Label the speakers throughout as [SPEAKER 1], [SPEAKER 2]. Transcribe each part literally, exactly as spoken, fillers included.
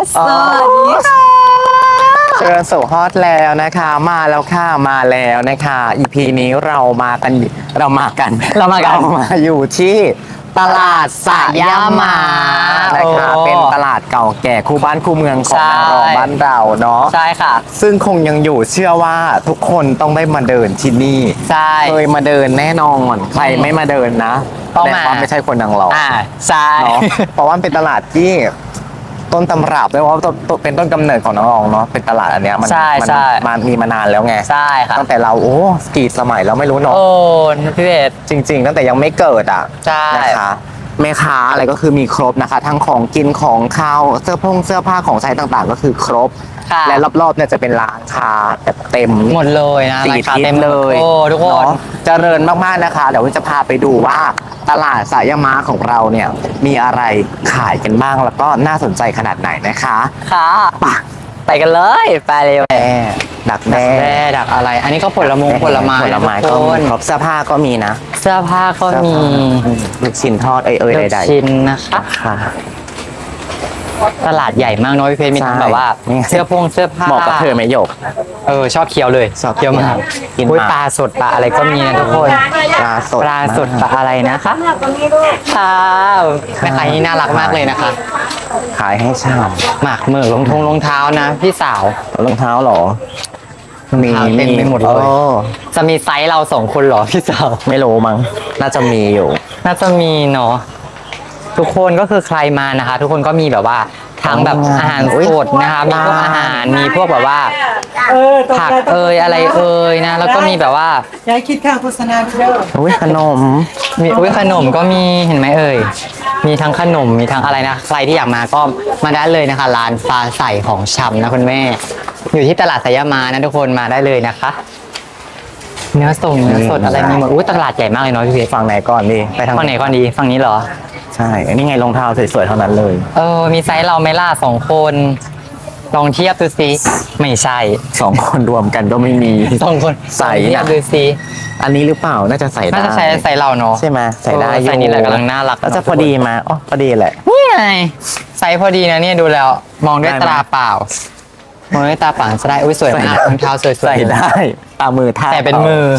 [SPEAKER 1] สวัสดีค่ะ
[SPEAKER 2] เชิญสู่ฮอตแล้วนะคะมาแล้วค่ะมาแล้วนะคะ อี พี นี้เรามากันเรามากัน
[SPEAKER 1] เรามากัน
[SPEAKER 2] เรามาอยู่ที่ตลาดสยามมานะคะเป็นตลาดเก่าแก่คู่บ้านคู่เมืองของนางรองบ้านเราเนาะ
[SPEAKER 1] ใช่ค่ะ
[SPEAKER 2] ซึ่งคงยังอยู่เชื่อว่าทุกคนต้องได้มาเดินที่นี่
[SPEAKER 1] ใช่
[SPEAKER 2] เคยมาเดินแน่นอนใครไม่มาเดินนะ
[SPEAKER 1] ต้องมา
[SPEAKER 2] แสดว่าไม่ใช่คนนางรอง
[SPEAKER 1] อ่าใช่
[SPEAKER 2] เนาะเพราะว่ามันเป็นตลาดที่ต้นตำรับด้วยว่าต้นต้นเป็นต้นกำเนิดของน้องๆเนาะเป็นตลาดอันเนี้ยมัน
[SPEAKER 1] ใช่
[SPEAKER 2] มั
[SPEAKER 1] ใช่
[SPEAKER 2] มันมีมานานแล้วไง
[SPEAKER 1] ใช่ค่ะ
[SPEAKER 2] ตั้งแต่เราโอ้กี่สมัยแล้วไม่รู้เนาะ
[SPEAKER 1] โอ้พี่เบส
[SPEAKER 2] จริง ๆ ตั้งแต่ยังไม่เกิดอ่ะ
[SPEAKER 1] ใช่
[SPEAKER 2] นะคะแม่ค้าอะไรก็คือมีครบนะคะ ทั้งของกินของข้าวเสื้อผงเสื้อผ้าของใช้ต่างๆ ก็คือครบ
[SPEAKER 1] ค่ะ
[SPEAKER 2] และรอบๆเนี่ยจะเป็นร้านค้าแบบเต็ม
[SPEAKER 1] หมดเลยนะ
[SPEAKER 2] สี่
[SPEAKER 1] ราคา
[SPEAKER 2] ทิศ
[SPEAKER 1] เต็ม
[SPEAKER 2] เลย
[SPEAKER 1] โอ้ทุกคน
[SPEAKER 2] เนาะเจริญมากๆนะคะ เดี๋ยวจะพาไปดูว่าตลาดสายามาของเราเนี่ยมีอะไรขายกันบ้างแล้วก็น่าสนใจขนาดไหนนะคะ
[SPEAKER 1] ค่ะ
[SPEAKER 2] ไป
[SPEAKER 1] ไปกันเลยไปเลย
[SPEAKER 2] แม่ดักแด้
[SPEAKER 1] แร่ดักอะไร อันนี้ก็ผลมงผลไม้
[SPEAKER 2] ผลไม้
[SPEAKER 1] ทุ
[SPEAKER 2] ก็
[SPEAKER 1] กค
[SPEAKER 2] มี
[SPEAKER 1] น
[SPEAKER 2] ครบเสื้อผ้าก็มีนะ
[SPEAKER 1] เสื้อผ้าก็
[SPEAKER 2] เสื้อ
[SPEAKER 1] มี
[SPEAKER 2] ผ้าลูกชิ้นทอดเอ้ยเอ้ย
[SPEAKER 1] ลูก
[SPEAKER 2] ใด
[SPEAKER 1] ชิ้นนะคะ
[SPEAKER 2] ๆค่ะ
[SPEAKER 1] ตลาดใหญ่มากเน้อยพี่เพชรมีทั้ง
[SPEAKER 2] ใช่
[SPEAKER 1] แบบว่า
[SPEAKER 2] นี่
[SPEAKER 1] เสื้อพงเสื้อผ้า
[SPEAKER 2] เหมาะกับเธอไหมหยก
[SPEAKER 1] เออชอบเคี้ยวเลย
[SPEAKER 2] ชอบ
[SPEAKER 1] เคี้ยวมาก
[SPEAKER 2] กิน
[SPEAKER 1] อุ้ย
[SPEAKER 2] มาก
[SPEAKER 1] ปลาสดปลาอะไรก็มีนะทุกคน
[SPEAKER 2] ปลาสด
[SPEAKER 1] ปลาสดปลาอะไรนะคะค่ะแม่ค้านี่น่ารักมากเลยนะคะ
[SPEAKER 2] ขายให้ช่าง
[SPEAKER 1] หมากเหมือกรองทงรองเท้านะพี่สาว
[SPEAKER 2] รองเท้าเหรอ มี
[SPEAKER 1] รองเท้าเต็มไปหมดเลย
[SPEAKER 2] โอ้
[SPEAKER 1] จะมีไซส์เราสองคนเหรอพี่สาว
[SPEAKER 2] ไม่รู้มั้งน่าจะมีอยู่
[SPEAKER 1] น่าจะมีเนาะทุกคนก็คือใครมานะคะ ทุกคนก็มีแบบว่าทั้งแบบอาหารสดนะคะมีพวกอาหารมีพวกแบบว่า
[SPEAKER 3] เออตรง
[SPEAKER 1] ผัก
[SPEAKER 3] กัน
[SPEAKER 1] เอยอะไรเอยนะ แล้วก็มีแบบว่า
[SPEAKER 3] ย้ายคิดค่าโฆษณาเด้อ
[SPEAKER 2] อุ้ยขนม
[SPEAKER 1] มีอุ้ยขนมก็มีเห็นไหมเอ่ยมีทั้งขนมมีทั้งอะไรนะใครที่อยากมาก็มาได้เลยนะคะร้านฟ้าใสของชำนะคุณแม่ อยู่ที่ตลาดสยามมานะทุกคนมาได้เลยนะคะ เนื้อส่งเนื้อสดอะไรมีหมดอุ้ยตลาดใหญ่มากเลยเนาะพี่เพชร
[SPEAKER 2] ฝั่งไหนก่อนดีไปทาง
[SPEAKER 1] ฝั่งไหนก่อนดีฝั่งนี้เหรอ
[SPEAKER 2] ใช่อันนี้ไงรองเท้าสวยๆเท่านั้นเลย
[SPEAKER 1] เออมีไซส์เราไหม่ล่าสองคนลองเทียบดูสิไม่ใช่
[SPEAKER 2] สองคนรวมกันก็ไม่มี
[SPEAKER 1] สองคน
[SPEAKER 2] ใส่
[SPEAKER 1] ลองเทีย
[SPEAKER 2] นะ
[SPEAKER 1] บดูสิ
[SPEAKER 2] อันนี้หรือเปล่าน่าจะใส่ได้
[SPEAKER 1] น่าจะใช้ไซส์เราเนาะ
[SPEAKER 2] ใช่ไหมใส่ได้
[SPEAKER 1] เออ
[SPEAKER 2] อยู่
[SPEAKER 1] ไซส์นี้แหละกำลังน่ารัก
[SPEAKER 2] แล้วจะพอดีมาอ๋อพอดีแหละ
[SPEAKER 1] นี่ไงไซส์พอดีนะเนี่ยดูแล้วมองด้วย
[SPEAKER 2] ได้ไหม
[SPEAKER 1] ตาเปล่า มองด้วยตาเปล่าจะได้อุ้ยสวยมากรองเท้าสวยๆ
[SPEAKER 2] ใส่ได้ตามมือท่า
[SPEAKER 1] แต่เป็นมือ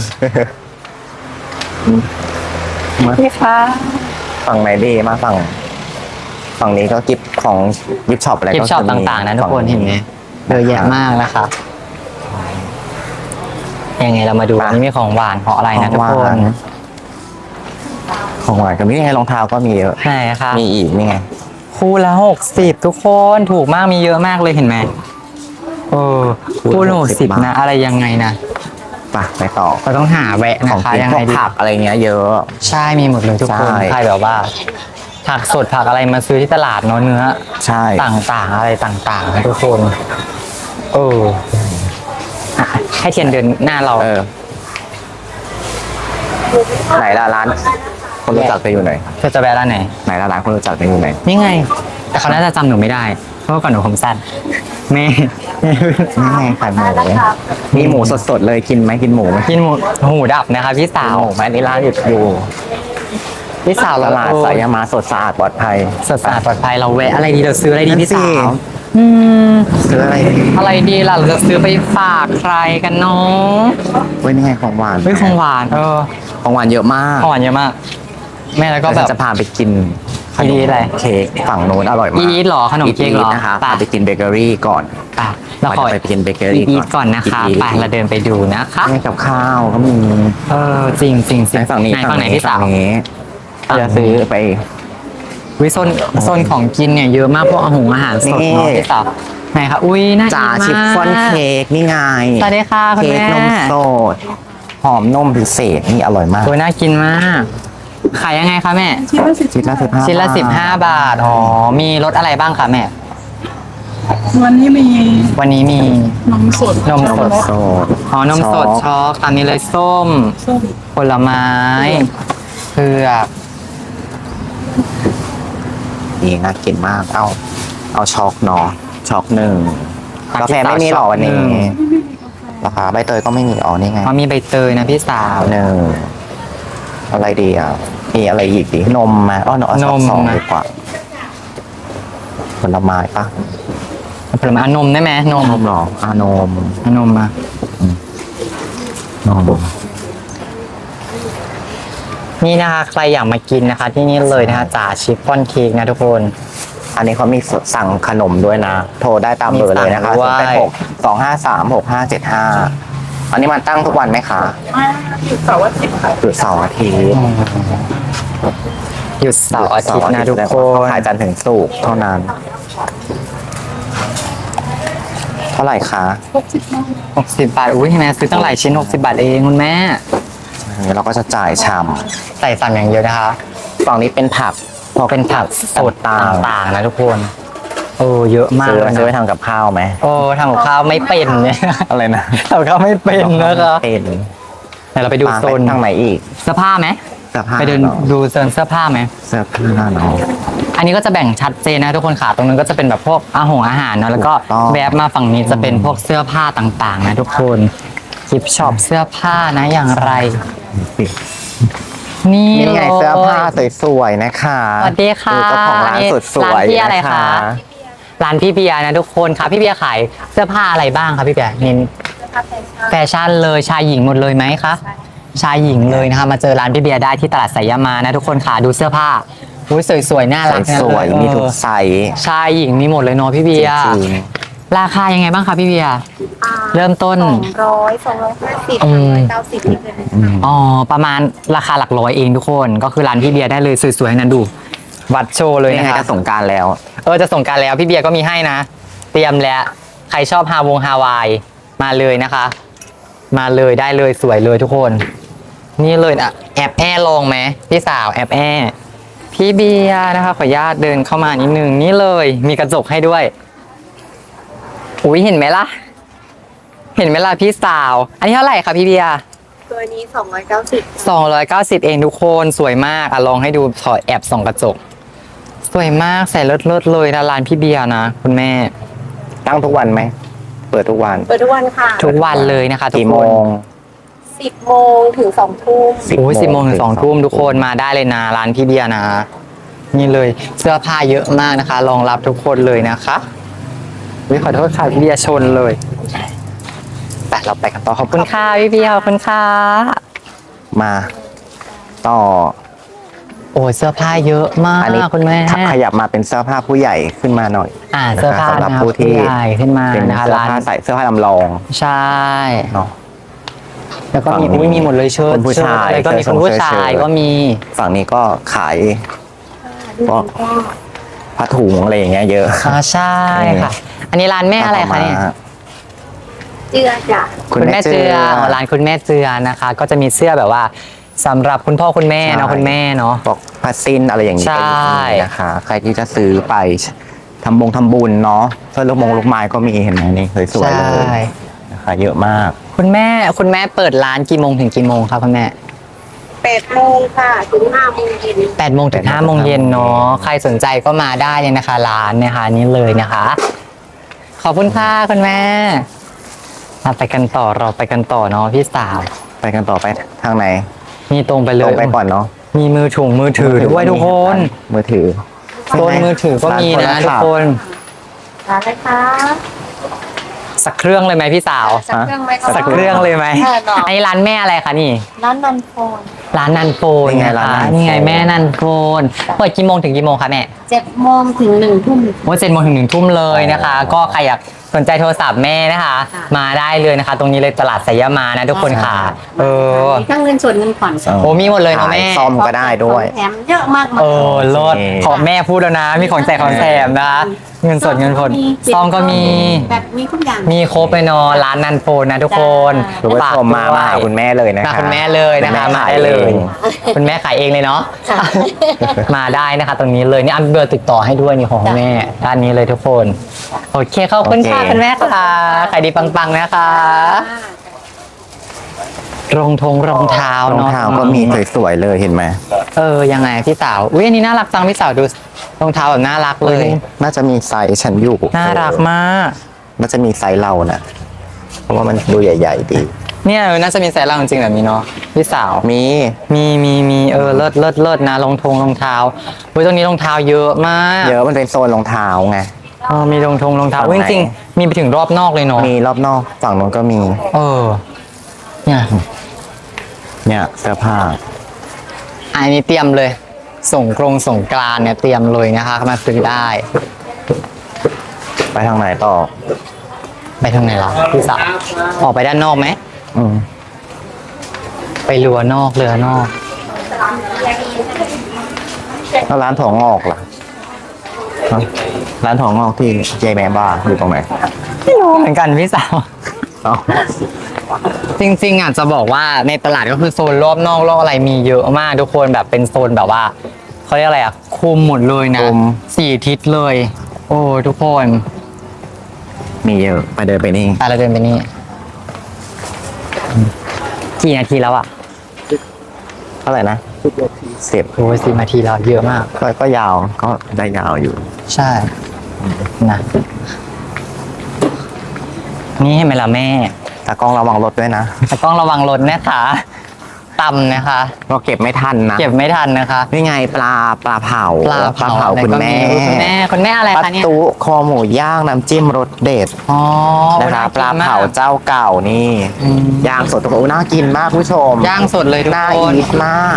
[SPEAKER 2] มา
[SPEAKER 1] พี่คะ
[SPEAKER 2] ฝั่งไหนดีมาฝั่งฝั่งนี้ก็กิฟของกิฟช็อปอะไร
[SPEAKER 1] กิฟ
[SPEAKER 2] ก็
[SPEAKER 1] ต์ช็อป
[SPEAKER 2] จะมี
[SPEAKER 1] ต่างๆนะทุกคน
[SPEAKER 2] ฝั่ง
[SPEAKER 1] เห็นไหมเยอะแยะมากนะคะยังไงเรามาดูอันนี้มีของหวานของอะไรนะทุก
[SPEAKER 2] ของ
[SPEAKER 1] ค
[SPEAKER 2] หวาน นของหวานกับนี่ไงรองเท้าก็มีเยอะ
[SPEAKER 1] ไหนคะ
[SPEAKER 2] มีอีกนี่ไง
[SPEAKER 1] คู่ละหกสิบทุกคนถูกมากมีเยอะมากเลยเห็นไหมเออคู่ละหกสิบนะอะไรยังไงนะ
[SPEAKER 2] ไปไปต่อ
[SPEAKER 1] เราต้องหาแวะ
[SPEAKER 2] ข
[SPEAKER 1] นะ
[SPEAKER 2] อง
[SPEAKER 1] คะ
[SPEAKER 2] กิน
[SPEAKER 1] ยัง
[SPEAKER 2] พว
[SPEAKER 1] ไง
[SPEAKER 2] ก
[SPEAKER 1] ดี
[SPEAKER 2] ผักอะไรเงี้ยเยอะ
[SPEAKER 1] ใช่มีหมดเลยทุกคน
[SPEAKER 2] ใช่
[SPEAKER 1] ใครแบบว่าผักสดผักอะไรมาซื้อที่ตลาดเนาะเนื้อ
[SPEAKER 2] ใช่
[SPEAKER 1] ต่างๆอะไรต่างๆนะทุกคนเอออ่ะให้เทียนเดินหน้าเรา
[SPEAKER 2] เออไหนล่ะร้าน คนรู้จักไปอยู่ไหน
[SPEAKER 1] เธอจะแวะร้านไหน
[SPEAKER 2] ไหนล่ะร้านคนรู้จักไปอยู่ไหน
[SPEAKER 1] นี่ไง แต่เขาน่าจะจำหนูไม่ได้ เพราะว่าก่อนหนูผมสั้นแม่
[SPEAKER 2] นี่ไงขายหมูมีหมูสดๆเลยกินไหมกินหมูไหม
[SPEAKER 1] กินหมูหูดับนะคะพี่สา
[SPEAKER 2] กิน
[SPEAKER 1] ว
[SPEAKER 2] หมูไหมอันนี่ร้านอยู่อยู่
[SPEAKER 1] พี่สาว
[SPEAKER 2] ต
[SPEAKER 1] เรา
[SPEAKER 2] ลาดสายามาสดสะอาดปลอดภัย
[SPEAKER 1] สดสะอาดปลอดภัยเราแวะอะไรดีเราซื้ออะไรดีพี่สาวอืม
[SPEAKER 2] ซื้ออะไรดี
[SPEAKER 1] อะไรดีล่ะเราจะซื้อไปฝากใครกันเนาะ
[SPEAKER 2] เว้ยนี่ไงของหวาน
[SPEAKER 1] เฮ้ยของหวานเออ
[SPEAKER 2] ของหวานเยอะมาก
[SPEAKER 1] ของหวานเยอะมาก แม่แล้วก็
[SPEAKER 2] ก็
[SPEAKER 1] แบบ
[SPEAKER 2] จะพาไปกินข
[SPEAKER 1] อี
[SPEAKER 2] น
[SPEAKER 1] ท
[SPEAKER 2] ม
[SPEAKER 1] อะไร
[SPEAKER 2] เค้กฝั่งโน้นอร่อยมาก
[SPEAKER 1] อีทเหรอขนมเค้กเหรอ
[SPEAKER 2] อีทนะคะ
[SPEAKER 1] ไป
[SPEAKER 2] พาไปกินเบเกอรี่ก่อน
[SPEAKER 1] ไปเราขอ
[SPEAKER 2] ไปกินเบเกอรี่
[SPEAKER 1] อีทก่อนนะคะ
[SPEAKER 2] อีท
[SPEAKER 1] ไปเราเดินไปดูนะคะ
[SPEAKER 2] นี่กับข้าวก็มี
[SPEAKER 1] เออจริงจริงจริ
[SPEAKER 2] ไหน
[SPEAKER 1] ง
[SPEAKER 2] ฝั่งนี้
[SPEAKER 1] ไหนฝั่งไหนพี่สาว
[SPEAKER 2] ฝั่งนี้
[SPEAKER 1] ฝั่งนี้
[SPEAKER 2] จะซื้อไป
[SPEAKER 1] วิโซนโซนของกินเนี่ยเยอะมากพวกอาหงอาหารสด
[SPEAKER 2] นี่
[SPEAKER 1] เนาะพี่สาวไหนคะอุ้ยน่ากิน
[SPEAKER 2] จ่าม
[SPEAKER 1] าก
[SPEAKER 2] ชิฟฟ่อนเค้กนี่ไง
[SPEAKER 1] สวัสดีค่ะคุณ
[SPEAKER 2] เค้ก
[SPEAKER 1] แม่
[SPEAKER 2] นมสดหอมนมพิเศษนี่อร่อยมาก
[SPEAKER 1] โอ้ยน่ากินมากขายยังไงคะแม่
[SPEAKER 3] ชิ้นละสิบ
[SPEAKER 2] ชิ้นละสิบห้า
[SPEAKER 1] ชิ้นละสิบห้าบาทอ๋อมีรสอะไรบ้างคะแม่
[SPEAKER 3] วันนี้มี
[SPEAKER 1] วันนี้มี
[SPEAKER 3] นมสด
[SPEAKER 1] นม
[SPEAKER 2] นมสด
[SPEAKER 1] อ๋อนมสดช็อกตามนี้เลยส้ม
[SPEAKER 3] ส้ม
[SPEAKER 1] ผลไม้เผือก
[SPEAKER 2] นี่น่ากินมากเอาเอาช็อกเนาะช็อกหนึ่งกาแฟไม่มีหรอวันนี้ราคาใบเตยก็ไม่มีอ๋อนี่ไง
[SPEAKER 1] อ๋อมีใบเตยนะพี่สาว
[SPEAKER 2] หนึ่งอะไรดีอ่ะมีอะไรอีกดีนมมาอ๋อเนาะเอาช็อก
[SPEAKER 1] นม
[SPEAKER 2] สอง
[SPEAKER 1] นะ
[SPEAKER 2] ดีกว่าผลไม้ปะ
[SPEAKER 1] ผลไม้เอานมได้ไหมนม
[SPEAKER 2] นมเหรออานม
[SPEAKER 1] เอานมมา
[SPEAKER 2] นม
[SPEAKER 1] นี่นะคะใครอยากมากินนะคะ ที่นี่เลยนะคะจ่าชิฟฟ่อนเค้กนะทุกคน
[SPEAKER 2] อันนี้เขามีสั่งขนมด้วยนะ โทรได้ตามเบอร์เลยนะคะ
[SPEAKER 1] มี
[SPEAKER 2] ศู
[SPEAKER 1] สั่
[SPEAKER 2] น
[SPEAKER 1] ง
[SPEAKER 2] ย์
[SPEAKER 1] ด้
[SPEAKER 2] แป
[SPEAKER 1] วย
[SPEAKER 2] ดหกสองห้าสามหกห้าเจ็ดห้าอันนี้มันตั้งทุกวันไหมคะ
[SPEAKER 3] มาหยุดเสาร์อาทิตย์ค่ะ
[SPEAKER 2] หยุดเสาร์อาทิตย์
[SPEAKER 1] หยุดเสาร์อาทิตย์นะทุกคน
[SPEAKER 2] ขายจันทร์ถึงศุกร์เท่านั้น เท่าไหร่คะ
[SPEAKER 3] หกสิบโมง
[SPEAKER 1] หกสิบบาทอุ้ยแม่ซื้อตั้งหลายชิ้นหกสิบบาทเองคุณแม่
[SPEAKER 2] อันนี้เราก็จะจ่ายชาม
[SPEAKER 1] ใส่สามอย่างเดียวนะคะ
[SPEAKER 2] ฝั่งนี้เป็นผัก
[SPEAKER 1] พอเป็นผักสด
[SPEAKER 2] ต่าง
[SPEAKER 1] ต่างๆนะทุกคนโอ้เยอะมาก
[SPEAKER 2] ซื้อ
[SPEAKER 1] เลย
[SPEAKER 2] ซื้อไป
[SPEAKER 1] นะ
[SPEAKER 2] ทำกับข้าวไหม
[SPEAKER 1] โอ้ทำกับข้าวไม่เป็นเนี่ย
[SPEAKER 2] อะไรนะ
[SPEAKER 1] ทำกับข้าวไม่เป็นนะคะ
[SPEAKER 2] เป็น
[SPEAKER 1] เดี๋ยวเราไปดูโซน
[SPEAKER 2] ทางไหนอีก
[SPEAKER 1] เสื้อผ้าไหม
[SPEAKER 2] เสื้อผ้า
[SPEAKER 1] ไปเดิน
[SPEAKER 2] เนอะ
[SPEAKER 1] ดูโซนเสื้อผ้าไหม
[SPEAKER 2] เสื้อผ้าเนาะ
[SPEAKER 1] อันนี้ก็จะแบ่งชัดเจนนะทุกคนค่ะตรงนั้นก็จะเป็นแบบพวกอาหงอาหารเนาะแล้วก็
[SPEAKER 2] ถูกต้อง
[SPEAKER 1] แวบมาฝั่งนี้จะเป็นพวกเสื้อผ้าต่างๆ นะทุกคนกิฟช็อปเสื้อผ้านะอย่างไร นี่
[SPEAKER 2] นี่ไง
[SPEAKER 1] ลย
[SPEAKER 2] เสื้อผ้าสวยๆนะคะ
[SPEAKER 1] สวัสดีค่ะ
[SPEAKER 2] ดูเจ้าของร้านสุดสวย
[SPEAKER 1] ร้านพี่อะไร
[SPEAKER 2] นะคะ
[SPEAKER 1] ร้านพี่เบียร์นะทุกคนค่ะพี่เบียร์ขายเสื้อผ้าอะไรบ้างคะพี่เบียร์เน้นแฟชั่นเลยชายหญิงหมดเลยไหมคะชายหญิงเลยนะคะมาเจอร้านพี่เบียร์ได้ที่ตลาดสายามานะทุกคนค่ะดูเสื้อผ้าอุ้ยสวยๆน่ารักนะ
[SPEAKER 2] สวย
[SPEAKER 1] เออ
[SPEAKER 2] ๆมีทุกไซส์
[SPEAKER 1] ชายหญิงมีหมดเลยเนาะพี่เบียร์
[SPEAKER 2] จริง
[SPEAKER 1] ราคายังไงบ้างคะพี่เบียร์
[SPEAKER 4] อ่า
[SPEAKER 1] เริ่มต้น
[SPEAKER 4] สองร้อยสองร้อยห้าสิบ
[SPEAKER 1] อืม
[SPEAKER 4] เก้าสิบนี่เลยนะคะ
[SPEAKER 1] อ๋อประมาณราคาหลักร้อยเองทุกคนก็คือร้านพี่เบียร์ได้เลยสวยๆนั้นดู วัดโชว์เลย
[SPEAKER 2] นี่
[SPEAKER 1] นะ
[SPEAKER 2] ไง
[SPEAKER 1] คะ
[SPEAKER 2] จะสงกรารแล้ว
[SPEAKER 1] เออจะส่งกรารแล้วพี่เบียร์ก็มีให้นะ เตรียมแล้วใครชอบฮาวงฮาวายมาเลยนะคะ มาเลยได้เลยสวยเลยทุกคน นี่เลยอ่ะแอบแอลองไหมพี่สาวแอบแอพี่เบียร์นะคะขออนุญาตเดินเข้ามานิดนึงนี่เลยมีกระจกให้ด้วยอุ้ยเห็นไหมล่ะ เห็นไหมล่ะพี่สาว อันนี้เท่าไหร่คะพี่เบียร์
[SPEAKER 4] ตัวนี้สองร้อยเก้าสิบ
[SPEAKER 1] สองร้อยเก้าสิบเองทุกคนสวยมากอ่ะลองให้ดูขอแอบส่องกระจก สวยมากใส่เลิศๆเลยนะร้านพี่เบียร์นะคุณแม่
[SPEAKER 2] ตั้งทุกวันไหม เปิดทุกวัน
[SPEAKER 4] เปิดทุกวันค่ะ
[SPEAKER 1] ทุกวันเลยนะคะทุก
[SPEAKER 2] กี่
[SPEAKER 1] ค
[SPEAKER 2] โม
[SPEAKER 1] น
[SPEAKER 2] ง
[SPEAKER 4] สิบโมงถึงสองทุ่ม
[SPEAKER 2] สิบ
[SPEAKER 1] โอ้ย
[SPEAKER 2] โมง
[SPEAKER 1] สิบโมงถึ
[SPEAKER 2] ถึ
[SPEAKER 1] ง
[SPEAKER 2] ง
[SPEAKER 1] สอง
[SPEAKER 2] สอง
[SPEAKER 1] ทุ่มทุกคนมาได้เลยนะร้านพี่เบียร์นะ นี่เลยเสื้อผ้าเยอะมากนะคะรองรับทุกคนเลยนะคะวิขอโทษค่ะพี่เบียร์ชนเลยแต่เราไปกันต่อขอบคุณค่ะพี่เบียร์ขอบคุณค่ะ
[SPEAKER 2] มาต่อ
[SPEAKER 1] โอ้ยเสื้อผ้าเยอะมาก
[SPEAKER 2] อันนี้
[SPEAKER 1] คุณแม่
[SPEAKER 2] ขยับมาเป็นเสื้อผ้าผู้ใหญ่ขึ้นมาหน่อย
[SPEAKER 1] อ่าเสื้อผ้า
[SPEAKER 2] สำหรับ
[SPEAKER 1] นะ
[SPEAKER 2] ผู้ที่
[SPEAKER 1] ใหญ่ขึ้นมา
[SPEAKER 2] เป็น
[SPEAKER 1] นะคะ
[SPEAKER 2] เสื้อ
[SPEAKER 1] ร้าน
[SPEAKER 2] ผ้าใส่เสื้อผ้าลำลอง
[SPEAKER 1] ใช่
[SPEAKER 2] เนาะ
[SPEAKER 1] แล้วก็มี
[SPEAKER 2] ฝั่งนี้
[SPEAKER 1] อุ้ยมีหมดเลยเชิ้ต
[SPEAKER 2] คุณผู้ชาย
[SPEAKER 1] แล้วก็มี
[SPEAKER 2] เสื้
[SPEAKER 1] คุ
[SPEAKER 2] อ
[SPEAKER 1] ณผู้
[SPEAKER 2] เสื้อ
[SPEAKER 1] ชาย
[SPEAKER 2] เชิ้ต
[SPEAKER 1] ก็มี
[SPEAKER 2] ฝั่งนี้ก็ขายพวกผ้าถุงอะไรอย่างเงี้ยเยอะ
[SPEAKER 1] อ่าใช่ค่ะ อันนี้ร้านแม่อะไรคะเนี่ย
[SPEAKER 4] เจือจ้ะ
[SPEAKER 1] คุณแม่เจืออ๋อร้านคุณแม่เจือนะคะ ก็จะมีเสื้อแบบว่าสำหรับคุณพ่อคุณแม่เนาะคุณแม่เนาะ
[SPEAKER 2] บอกผ้าสิ้นอะไรอย่างนี้
[SPEAKER 1] ใช่
[SPEAKER 2] ก็มีนะคะ ใครที่จะซื้อไปทำบงทำบุญเนาะเสื้อลูกมงลูกไม้ก็มีเห็นไหมนี่สวยๆเล
[SPEAKER 1] ใช่
[SPEAKER 2] ยนะคะเยอะมาก
[SPEAKER 1] คุณแม่คุณแม่เปิดร้านกี่โมงถึงกี่โมงครับคุณแม่
[SPEAKER 4] แปดโมงค่ะ ถึงห้าโมงเย็น
[SPEAKER 1] แปดโมงถึงห้าโมงเย็นเนาะใครสนใจก็มาได้เลยนะคะ ร้านนะคะนี่เลยนะคะ ขอบคุณค่ะคุณแม่เราไปกันต่อเราไปกันต่อเนาะพี่สาว
[SPEAKER 2] ไปกันต่อไปทางไหน
[SPEAKER 1] นี่ตรงไปเล
[SPEAKER 2] ตร
[SPEAKER 1] ย
[SPEAKER 2] งไปก่อนเนาะ
[SPEAKER 1] มีมือถุงมือถือด้วยทุกคน
[SPEAKER 2] มือถือ
[SPEAKER 1] โซนมือถือก็มีนะทุกคน
[SPEAKER 4] ร้านอะไรคะ
[SPEAKER 1] สักเครื่องเลยไหมพี่สาว
[SPEAKER 4] สักเครื่องไหมคะ
[SPEAKER 1] สักเครื่องเลยไหม
[SPEAKER 4] ค่ะเนาะ
[SPEAKER 1] อันนี้ร้านแม่อะไรคะนี่
[SPEAKER 4] ร้านนันโฟน
[SPEAKER 1] ร้านนันโฟน
[SPEAKER 2] นี่ไง
[SPEAKER 1] นะ
[SPEAKER 2] ร้าน
[SPEAKER 1] คะ
[SPEAKER 2] นันโฟน
[SPEAKER 1] นี่ไงแม่นันโฟนเปิดกี่โมงถึงกี่โมงคะแม่
[SPEAKER 4] เจ็ดโมงถึงหนึ่งทุ่ม
[SPEAKER 1] โอ้เจ็ดโมงถึงหนึ่งทุ่มเลยนะคะ ก็ใครอยากสนใจโทรศัพท์แม่นะคะ
[SPEAKER 4] ค่ะ
[SPEAKER 1] มาได้เลยนะคะ ตรงนี้เลยตลาดสยามานะทุกคนค่ะ เออ
[SPEAKER 4] มีทั้งเงินสดเงินผ่อน
[SPEAKER 1] โอ้มีหมดเลยเนอะแม่
[SPEAKER 2] ขายซ่อมก็ได้ด้วย
[SPEAKER 4] แถมเยอะมากมาย
[SPEAKER 1] เออเลิศ
[SPEAKER 2] โอเค
[SPEAKER 1] ขอแม่พูดแล้วนะ มีของแจกของแถมนะคะเงินสดเงินผลซองก็มี
[SPEAKER 4] แบบมีทุกอย่าง
[SPEAKER 1] มีครบเลยเนาะร้านนันโฟนนะทุกคน
[SPEAKER 2] คุณผู้ชมมามาหาคุณแม่เลยนะคะ
[SPEAKER 1] มาคุณแม่เลยนะคะ
[SPEAKER 2] คุณแม่
[SPEAKER 1] มา
[SPEAKER 2] ขาย
[SPEAKER 1] ได้เลย
[SPEAKER 2] เอง
[SPEAKER 1] คุณแม่ขายเองเลยเนาะ
[SPEAKER 4] ค่ะ
[SPEAKER 1] มาได้นะคะ ตรงนี้เลยนี่อันเบอร์ติดต่อให้ด้วยนี่ของคุณแม่ด้านนี้เลยทุกคนโอเคขอบคุณค่ะ
[SPEAKER 2] โอเค
[SPEAKER 1] คุณแม่ค่ะขายดีปังๆนะคะรองทงรองเท้าร
[SPEAKER 2] อง
[SPEAKER 1] เนาะ
[SPEAKER 2] เท้าก็มีสวยๆเลยเห็นไหม
[SPEAKER 1] เออยังไงพี่สาวอุ้ยอันนี้น่ารักจังพี่สาวดูรองเท้าแบบน่ารักเลย
[SPEAKER 2] น่าจะมีไซส์ฉันอยู่
[SPEAKER 1] น่ารักมาก
[SPEAKER 2] น่าจะมีไซส์เรานะเพราะว่ามันดูใหญ่ ๆ ดี
[SPEAKER 1] เนี่ยเออน่าจะมีไซส์เราจริงๆแบบนี้เนาะพี่สาว
[SPEAKER 2] มี
[SPEAKER 1] มีมีมีเออเลิศเลิศเลิศนะรองทงรองเท้าอุ้ยตรงนี้รองเท้าเยอะมาก
[SPEAKER 2] เยอะมันเป็นโซนรองเท้าไง
[SPEAKER 1] อ๋อมีรองทงรองเท้า
[SPEAKER 2] ฝั่ง
[SPEAKER 1] อุ๊ย
[SPEAKER 2] ไหน
[SPEAKER 1] จริงๆมีไปถึงรอบนอกเลยเนาะ
[SPEAKER 2] มีรอบนอกฝั่งนู้นก็มี
[SPEAKER 1] เออเนี่ย
[SPEAKER 2] เนี่ยเสื้อผ้า
[SPEAKER 1] อันนี้เตรียมเลย ส่งกรงส่งกรานต์เนี่ยเตรียมเลยนะคะมาซื้อได้
[SPEAKER 2] ไปทางไหนต่อ
[SPEAKER 1] ไปทางไหนล่ะพี่สาวออกไปด้านนอกไหม
[SPEAKER 2] อืม
[SPEAKER 1] ไปเรือนอกเรือนอก
[SPEAKER 2] แล้วร้านถั่วงอกล่ะฮะร้านถั่วงอกที่เจแมบ้าอยู่ตรงไหน
[SPEAKER 1] ไม่รู้เหมือนกันพี่สาว
[SPEAKER 2] เอ้า
[SPEAKER 1] จริงๆอ่ะจะบอกว่าในตลาดก็คือโซนรอบนอกรอบอะไรมีเยอะมากทุกคนแบบเป็นโซนแบบว่าเขาเรียกอะไรอ่ะคุมหมดเลยนะสี่ทิศเลย โอ้ทุกคน
[SPEAKER 2] มีเยอะไปเดินไปนี่
[SPEAKER 1] ไปเราเดินไปนี่กี่นาทีแล้วอ่ะ
[SPEAKER 2] เท่าไหร่นะสิบ
[SPEAKER 1] โอ้ยสี่นาทีแล้วเยอะมาก
[SPEAKER 2] ก็ก็ยาวก็ได้ยาวอยู่
[SPEAKER 1] ใช่นะนี่เห็นไหมล่ะแม่
[SPEAKER 2] แต่กล้องระวังรถด้วยนะ
[SPEAKER 1] แต่ต้องระวังรถนะคะต่ำนะคะ
[SPEAKER 2] เราเก็บไม่ทันนะ
[SPEAKER 1] เก็บไม่ทันนะคะ
[SPEAKER 2] นี่ไงปลาปลาเผา
[SPEAKER 1] ปลาเผา
[SPEAKER 2] คุณแม่
[SPEAKER 1] อะไรก็คุณแม่คุณแม่อะไร
[SPEAKER 2] ปลา
[SPEAKER 1] คะเนี่ย
[SPEAKER 2] ตุคอหมูย่างน้ำจิ้มรสเด็ด
[SPEAKER 1] อ๋อ
[SPEAKER 2] นะคะ
[SPEAKER 1] น่กิ
[SPEAKER 2] ปลา
[SPEAKER 1] มก
[SPEAKER 2] เผาเจ้าเก่านี่
[SPEAKER 1] อืม
[SPEAKER 2] ย่างสดทุกคนน่ากินมากคุณผู้ชม
[SPEAKER 1] ย่างสดเลยทุก
[SPEAKER 2] น่า
[SPEAKER 1] คน
[SPEAKER 2] อีทมาก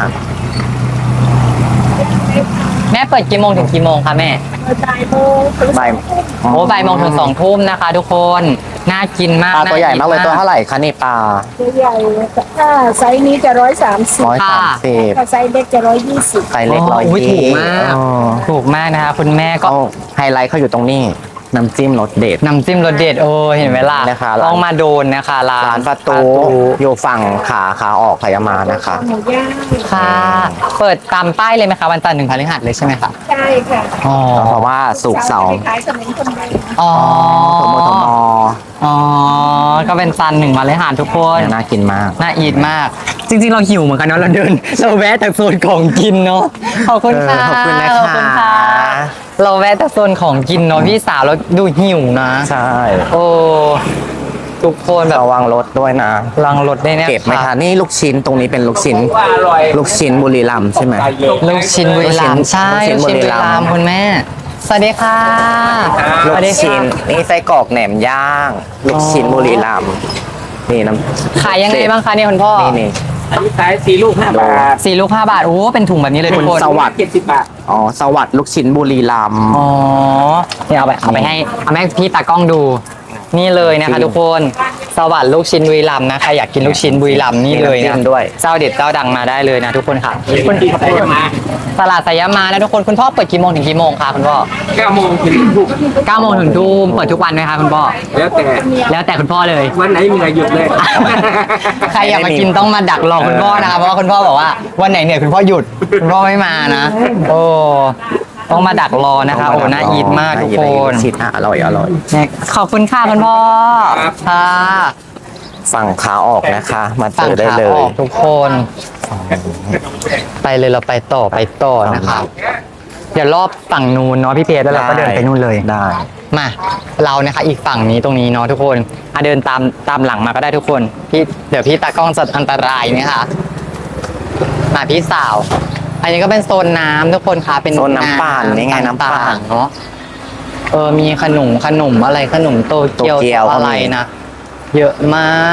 [SPEAKER 1] แม่เปิดกี่โมงถึงกี่โมงคะแม่
[SPEAKER 3] บ่ายโมงถึง
[SPEAKER 2] ใบ
[SPEAKER 1] โอ้บ่ายโมงถึงสองทุ่มนะคะ ทุกคนน่ากินมาก
[SPEAKER 2] ปลาตัวใหญ่มากเลย
[SPEAKER 1] น่
[SPEAKER 2] ตัวเท่าไหร่คะนี่ปลา
[SPEAKER 3] ตัวใหญ่ถ้าไซส์นี้จะร้อยสามสิบ
[SPEAKER 2] ร้อยสามสิบ
[SPEAKER 3] ถ้าไซส์เล็กจะร้อยยี่สิบ
[SPEAKER 2] ไซส์เล็กร้อย
[SPEAKER 1] โอ้ย
[SPEAKER 2] ยี่
[SPEAKER 1] ถูกมาก
[SPEAKER 2] อ๋อ
[SPEAKER 1] ถูกมากนะคะ คุณแม่ก็
[SPEAKER 2] ก็ไฮไลท์เขาอยู่ตรงนี้น้ำจิ้มรสเด็ด
[SPEAKER 1] น้ำจิ้มรสเด็ดโอ้เห็นไหมล่ะ
[SPEAKER 2] นะคะร้าน
[SPEAKER 1] ต้องมาโดนนะคะร้าน
[SPEAKER 2] ร้านประตูอยู่ฝั่งขาขาออกขายามานะคะ
[SPEAKER 3] หมูย่าง
[SPEAKER 1] ค่ะ เปิดตามป้ายเลยไหมคะวันจันทร์ถึงพฤหัสเลยใช่ไหมคะ
[SPEAKER 3] ใช่ค่ะ
[SPEAKER 1] อ๋อ
[SPEAKER 2] เพราะว่าสุกร์เสาร์
[SPEAKER 3] ขายขนมคนเดิม
[SPEAKER 1] อ๋อ
[SPEAKER 2] สมมติสมอ
[SPEAKER 1] อ๋อก็เป็นจันทร์หนึ่งพฤหัสทุกคน
[SPEAKER 2] น่ากินมาก
[SPEAKER 1] น่าอีทมาก จริงๆ เราหิวเหมือนกันเนาะเราเดิน เราแวะแต่โซนของกินเนาะขอบคุณค่ะ
[SPEAKER 2] เออขอบคุณนะคะ
[SPEAKER 1] ขอบคุณค่ะ เราแวะแต่โซนของกินเนาะพี่สาวเราดูหิวนะ
[SPEAKER 2] ใช่
[SPEAKER 1] โอ้ทุกคนแบบ
[SPEAKER 2] ระวังรถด้วยนะ
[SPEAKER 1] ลังรถได้เนี่ย
[SPEAKER 2] เก็บไม่ทันนี่ลูกชิ้นตรงนี้เป็นลูกชิ้น ลูกชิ้นบุรีรัมย์ใช่ไหม
[SPEAKER 1] ลูกชิ้นบุรีรัมย์ใช่
[SPEAKER 2] ลู
[SPEAKER 1] ลู
[SPEAKER 2] ก
[SPEAKER 1] ก
[SPEAKER 2] ชิ้
[SPEAKER 1] ชิ้น
[SPEAKER 2] น
[SPEAKER 1] บุรีรัมย์
[SPEAKER 2] บุรีรัมย์
[SPEAKER 1] คุณแม่ สวัสดีค่ะส
[SPEAKER 2] ลู
[SPEAKER 1] วั
[SPEAKER 2] ก
[SPEAKER 1] สดีค่ะ
[SPEAKER 2] ชิ้นนี่ไส้กรอกแหนมย่าง ลูกชิ้นบุรีรัมย์นี่น้ำ
[SPEAKER 1] ขายยังไงบ้างคะเนี่ยคุณพ่อ
[SPEAKER 2] นี่นี่
[SPEAKER 5] อันนี้ขายสี่ลูกห้าบาท
[SPEAKER 1] สี่ลูกห้าบาทโอ้เป็นถุงแบบนี้เลยทุกคน
[SPEAKER 2] สวัสดิ์
[SPEAKER 5] เจ็ดสิบบาท
[SPEAKER 2] อ๋อสวัสดิ์ลูกชิ้นบุรีรัมย์
[SPEAKER 1] อ๋อเนี่ยเอาไปเอาไปให้เอาไปให้พี่ตากล้องดู นี่เลยนะคะ ทุกคนสวัสดิ์ลูกชิ้นบุรีรัมย์นะใครอยากกินลูกชิ้นบุรีรัมย์นี่เลยนะเจ้าเด็ดเจ้าดังมาได้เลยนะทุกคนค่ะคุณ
[SPEAKER 5] ใส่มา
[SPEAKER 1] ตลาดสายามานะทุกคนคุณพ่อเปิดกี่โมงถึงกี่โมงคะคุณพ่อ
[SPEAKER 5] เก้าโมงถึงทุ่ม
[SPEAKER 1] เก้าโมงถึงทุ่มเปิดทุกวันไหมคะคุณพ่อ
[SPEAKER 5] แล้วแต่
[SPEAKER 1] แล้วแต่คุณพ่อเลย
[SPEAKER 5] วันไหนเหนื่อยหยุดเลย
[SPEAKER 1] ใครอยากมากินต้องมาดักรอคุณพ่อนะคะเพราะว่าคุณพ่อบอกว่าวันไหนเหนื่อยคุณพ่อหยุดคุณพ่อไม่มานะ โอ้ต้องมาดักรอนะคะโอ้น่าอีทมากทุกคน
[SPEAKER 2] ชิ้นอ่ะอร่อยอร่อย
[SPEAKER 1] เนี่ยขอบคุณค่ะคุณพ่อค่ะ
[SPEAKER 2] ฝั่งขาออกนะคะ มาเจ
[SPEAKER 1] ฝั่ง
[SPEAKER 2] อได้
[SPEAKER 1] ขา
[SPEAKER 2] เล
[SPEAKER 1] อย อกทุกคน ไปเลยเราไปต่อไปต่อนะคะเดี๋ยวรอบฝั่งนู้นเนาะพี่เพชรแล้วเราก็เดินไปนู่นเลย
[SPEAKER 2] ได้
[SPEAKER 1] มาเรานะคะอีกฝั่งนี้ตรงนี้เนาะทุกคนอ่ะเดินตามตามหลังมาก็ได้ทุกคนพี่เดี๋ยวพี่ตากล้องจะอันตรายนะคะมาพี่สาว อันนี้ก็เป็นโซนน้ำทุกคนคะเป็น
[SPEAKER 2] โซนน้ำปั่นนี่ไงน้ำปั่น
[SPEAKER 1] ต่างๆเนาะเออมีขนมขนมอะไรขนมโตเกียว
[SPEAKER 2] โตเกียว
[SPEAKER 1] อะไรนะเยอะมาก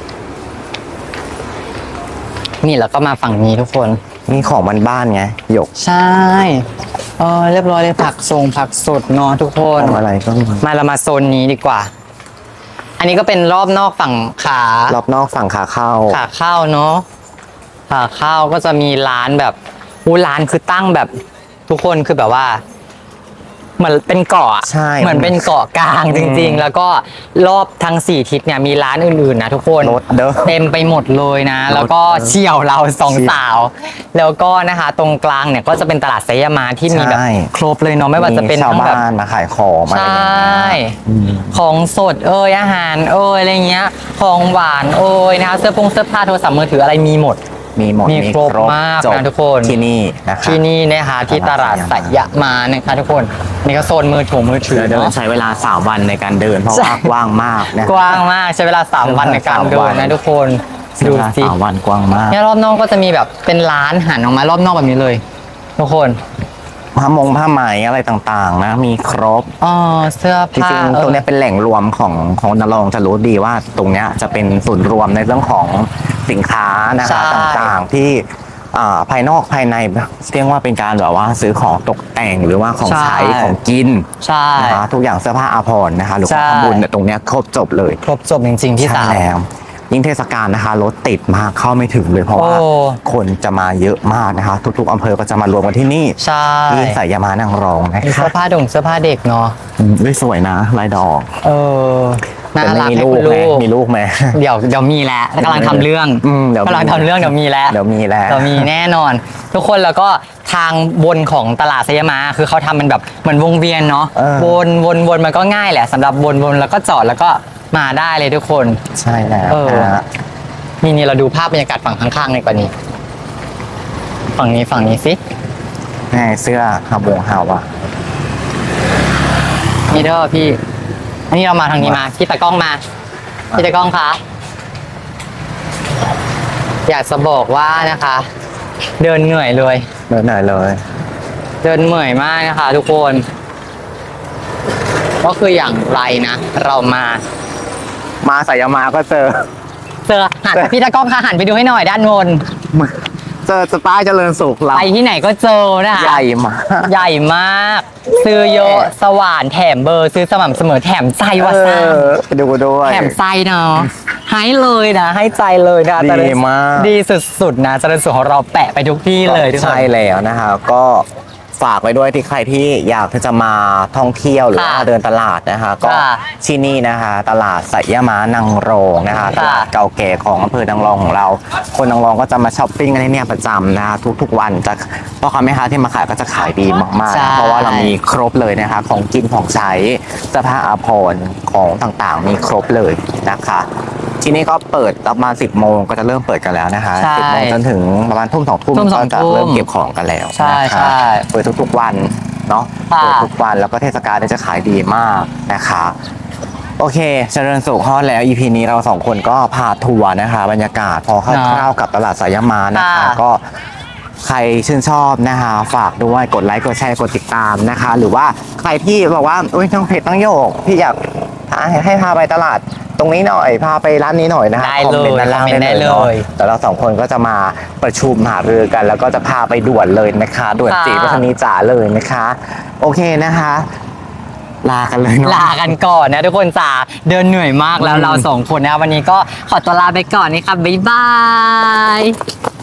[SPEAKER 1] นี่แล้วก็มาฝั่งนี้ทุกคน
[SPEAKER 2] นี่ของบ้านๆไงหยก
[SPEAKER 1] ใช่เออเรียบร้อยเลยผักทรงผักสดเนาะทุกคน
[SPEAKER 2] ของอะไรก็มี
[SPEAKER 1] มาเรามาโซนนี้ดีกว่า อันนี้ก็เป็นรอบนอกฝั่งขาร
[SPEAKER 2] อบนอกฝั่งขาเข้า
[SPEAKER 1] ขาเข้าเนาะขาเข้าก็จะมีร้านแบบอู้ร้านคือตั้งแบบทุกคนคือแบบว่า เหมือนเป็นเกาะอะ
[SPEAKER 2] ใช่
[SPEAKER 1] เหมือนเป็นเกาะกลางจริง ๆ แล้วก็รอบทั้งสี่ทิศเนี่ยมีร้านอื่นๆนะทุกคน
[SPEAKER 2] รถเด้อ
[SPEAKER 1] เต็มไปหมดเลยนะ
[SPEAKER 2] รถ
[SPEAKER 1] แล้วก็เชี่ยวเราสอง
[SPEAKER 2] เชี่ยว
[SPEAKER 1] สาว แล้วก็นะคะตรงกลางเนี่ยก็จะเป็นตลาดไซยามาที่มีแบบ
[SPEAKER 2] ใช่
[SPEAKER 1] ครบเลยเนาะไม่ว่าจะเป็น
[SPEAKER 2] ชาว
[SPEAKER 1] ทั้งแบบ
[SPEAKER 2] บ้านมาขายของมา
[SPEAKER 1] ใช
[SPEAKER 2] อะไรอย่างเงี้
[SPEAKER 1] ่
[SPEAKER 2] ยอืม
[SPEAKER 1] ของสดเอยอาหารเอยอะไรเงี้ย ของหวานเอยนะคะเสื้อผงเสื้อผ้าโทรศัพท์มือถืออะไรมีหมด
[SPEAKER 2] มีหมด
[SPEAKER 1] มีครบมาก
[SPEAKER 2] จบ
[SPEAKER 1] นะทุกคน
[SPEAKER 2] ที่นี่นะคะ
[SPEAKER 1] ที่นี่นะคะที่ตลาดสยามานะคะทุกคนนี่ก็โซนมือถือมือถือ
[SPEAKER 2] เดี๋ยวเดิน
[SPEAKER 1] เนาะ
[SPEAKER 2] ใช้เวลาสามวันในการเดินเพราะว่ากว้างมากนะ
[SPEAKER 1] กว้างมากใช้เวลาสามวันในการเดินนะทุกคน
[SPEAKER 2] ใช้
[SPEAKER 1] ดู
[SPEAKER 2] เวลา
[SPEAKER 1] สิ
[SPEAKER 2] สามวันกว้างมาก
[SPEAKER 1] เนี่ยรอบนอกก็จะมีแบบเป็นร้านหันออกมารอบนอกแบบนี้เลย ทุกคน
[SPEAKER 2] ผ้ามงผ้าไหมอะไรต่างๆ นะ มีครบ
[SPEAKER 1] อ๋อเสื้อ
[SPEAKER 2] จ
[SPEAKER 1] ผ้า
[SPEAKER 2] ริงๆ ตรงเนี้ยเป็นแหล่งรวมของของนรงค์จะรู้ดีว่าตรงเนี้ยจะเป็นศูนย์รวมในเรื่องของสินค้านะคะต่างๆที่อ่าภายนอกภายในเรียกว่าเป็นการแบบว่าซื้อของตกแต่งหรือว่าของใช้ของกิน
[SPEAKER 1] ใช่
[SPEAKER 2] นะคะทุกอย่างเสื้อผ้าอาภรณ์นะคะหรือของ
[SPEAKER 1] ใช่
[SPEAKER 2] ทำบุญเนี่ยตรงเนี้ยครบจบเลย
[SPEAKER 1] ครบจบจริงๆพี่
[SPEAKER 2] ใช่
[SPEAKER 1] สาว
[SPEAKER 2] แล้วยิ่งเทศกาลนะคะรถติดมากเข้าไม่ถึงเลยเพราะว่า
[SPEAKER 1] โอ้
[SPEAKER 2] คนจะมาเยอะมากนะคะ ทุกๆอำเภอก็จะมารวมกันที่นี่
[SPEAKER 1] ใช่
[SPEAKER 2] ที่สายยามานางรองนะ
[SPEAKER 1] มี
[SPEAKER 2] คะ
[SPEAKER 1] เสื้อผ้าดงเสื้อผ้าเด็กเนาะ
[SPEAKER 2] อืมด้วยสวยนะลายดอก
[SPEAKER 1] เออน่า
[SPEAKER 2] แต่
[SPEAKER 1] รัก
[SPEAKER 2] ไม่มี
[SPEAKER 1] ให้
[SPEAKER 2] ลู
[SPEAKER 1] คุ
[SPEAKER 2] ก
[SPEAKER 1] ณ
[SPEAKER 2] ไหม
[SPEAKER 1] ลูก
[SPEAKER 2] มีลูกไหม
[SPEAKER 1] เดี๋ยวเดี๋ยวมีแล้วกำลังทำเรื่อง
[SPEAKER 2] อืมเดี๋ยวมี
[SPEAKER 1] กำลังทำเรื่องเดี๋ยวมีแล้ว
[SPEAKER 2] เดี๋ยวมีแล้ว
[SPEAKER 1] เดี๋ยวมีแน่นอน ทุกคนแล้วก็ทางบนของตลาดสยามมาคือเขาทำมันแบบเหมือนวงเวียนเนาะ
[SPEAKER 2] เออ
[SPEAKER 1] วนวนวนมันก็ง่ายแหละสำหรับวนวนแล้วก็จอดแล้วก็มาได้เลยทุกคน
[SPEAKER 2] ใช่แล้ว
[SPEAKER 1] เออ
[SPEAKER 2] นะฮะ
[SPEAKER 1] นี่นี่เราดูภาพบรรยากาศฝั่งข้างๆในกว่านี้ ฝั่งนี้ฝั่งนี้สิ
[SPEAKER 2] แม่เสื้อฮาบงฮาวะ
[SPEAKER 1] นี่เด้อพี่อันนี้เรามาทางนี้มาพี่ตากล้องมาพี่ตากล้องคะอยากจะบอกว่านะคะ เดินเหนื่อยเลย
[SPEAKER 2] เดินหน่อยเลย
[SPEAKER 1] เดินเหนื่อยมากนะคะ ทุกคนก็คืออย่างไรนะ เรามา
[SPEAKER 2] มาสายยามาก็เจอ
[SPEAKER 1] เจอหันพี่ตากล้องค่ะหันไปดูให้หน่อยด้านบน
[SPEAKER 2] เจอสป้ายเจริญสุขเรา
[SPEAKER 1] ไปที่ไหนก็เจอนะคะ
[SPEAKER 2] ใหญ่มาก
[SPEAKER 1] ใหญ่มาก ซื้อเยอะสว่านแถมเบอร์ ซื้อสม่ำเสมอแถมใจวาซา
[SPEAKER 2] เออไปดูด้วย
[SPEAKER 1] แถมใจเนาะให้เลยนะ ให้ใจเลยนะ
[SPEAKER 2] ดีมาก
[SPEAKER 1] ดีสุดๆนะเจริญสุขของเราแปะไปทุกที่เลยทุกคน
[SPEAKER 2] ใช่แล้วนะคะก็ฝากไว้ด้วยที่ใครที่อยากที่จะมาท่องเที่ยวหรือว่า
[SPEAKER 1] ค่ะ
[SPEAKER 2] เดินตลาดนะคะก็
[SPEAKER 1] ค่ะ
[SPEAKER 2] ที่นี่นะคะตลาดสยามานางรองนะคะต
[SPEAKER 1] ค่ะ
[SPEAKER 2] ลาดเก่าแก่ของอำเภอนางรองของเรา คนนางรองก็จะมาช้อปปิ้งกันที่เนี่ยประจำนะคะทุกๆวันจะพ่อค้าแม่ค้าที่มาขายก็จะขายดีมากๆ
[SPEAKER 1] ใช่
[SPEAKER 2] นะเพราะว่าเรามีครบเลยนะคะของกินของใช้เสื้อผ้าอาภรณ์ของต่างๆ มีครบเลยนะคะ ที่นี่ก็เปิดประมาณสิบโมงก็จะเริ่มเปิดกันแล้วนะคะ
[SPEAKER 1] ใช่
[SPEAKER 2] สิบโมงจนถึงประมาณทุ่มสองทุ่ม
[SPEAKER 1] ทุ่มสอ
[SPEAKER 2] ก็
[SPEAKER 1] ง
[SPEAKER 2] จะ
[SPEAKER 1] ทุ่ม
[SPEAKER 2] เริ่มเก็บของกันแล้ว
[SPEAKER 1] ใช่
[SPEAKER 2] นะคะ
[SPEAKER 1] ใช่
[SPEAKER 2] เปิดทุกๆวันเนาะ
[SPEAKER 1] ค่ะ
[SPEAKER 2] เปิดทุกวันแล้วก็เทศกาลเนี่ยจะขายดีมากนะคะ โอเคเจริญสุขฮอดแล้ว อี พี นี้เราสองคนก็พาทัวร์นะคะ บรรยากาศพอคร่าวๆกับตลาดสายามานะคะ
[SPEAKER 1] ค่ะ
[SPEAKER 2] ก็ใครชื่นชอบนะคะฝากด้วยกดไลค์กดแชร์กดติดตามนะคะ หรือว่าใครที่บอกว่าอุ้ยน้องเพจต้องโยกพี่อยากให้ให้พาไปตลาดตรงนี้หน่อยพาไปร้านนี้หน่อยนะคะ
[SPEAKER 1] ได้
[SPEAKER 2] คอมเมนต์
[SPEAKER 1] เลย
[SPEAKER 2] ด้านล่าง
[SPEAKER 1] คอมเมนต์
[SPEAKER 2] ได้
[SPEAKER 1] ได้
[SPEAKER 2] เลยเนาะ
[SPEAKER 1] เลย
[SPEAKER 2] แต่เราสองคนก็จะมาประชุมหารือกัน แล้วก็จะพาไปด่วนเลยนะคะด่วน
[SPEAKER 1] ค่ะ
[SPEAKER 2] จีวัฒนีจ๋าเลยนะคะ โอเคนะคะ ลากันเลยเนาะ
[SPEAKER 1] ลากันก่อนนะทุกคนจ๋าเดินเหนื่อยมากแล้ว
[SPEAKER 2] อืม
[SPEAKER 1] เราสองคนนะวันนี้ก็ขอตัวลาไปก่อนนี่ครับบ๊ายบาย